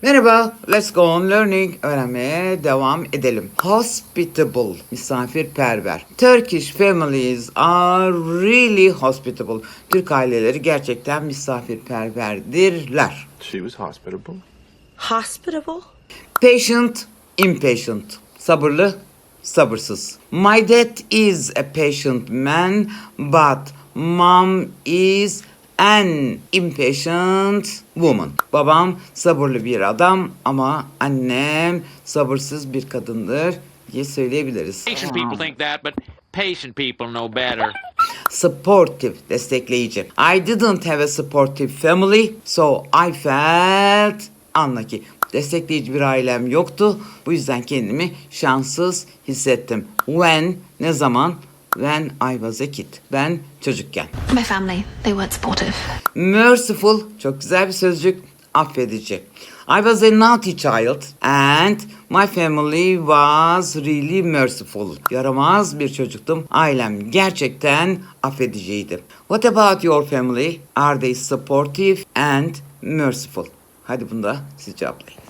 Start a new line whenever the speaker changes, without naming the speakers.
Merhaba, let's go on learning. Öğrenmeye devam edelim. Hospitable, misafirperver. Turkish families are really hospitable. Türk aileleri gerçekten misafirperverdirler.
She was hospitable.
Hospitable?
Patient, impatient. Sabırlı, sabırsız. My dad is a patient man, but mom is an impatient woman. Babam sabırlı bir adam ama annem sabırsız bir kadındır diye söyleyebiliriz.
Patient people think that, but patient people know better.
Supportive, destekleyici. I didn't have a supportive family, so I felt unlucky. Destekleyici bir ailem yoktu. Bu yüzden kendimi şanssız hissettim. When, ne zaman? When I was a kid. Ben çocukken.
My family, they weren't supportive.
Merciful, çok güzel bir sözcük. Affedici. I was a naughty child and my family was really merciful. Yaramaz bir çocuktum. Ailem gerçekten affediciydi. What about your family? Are they supportive and merciful? Hadi bunu da siz cevaplayın.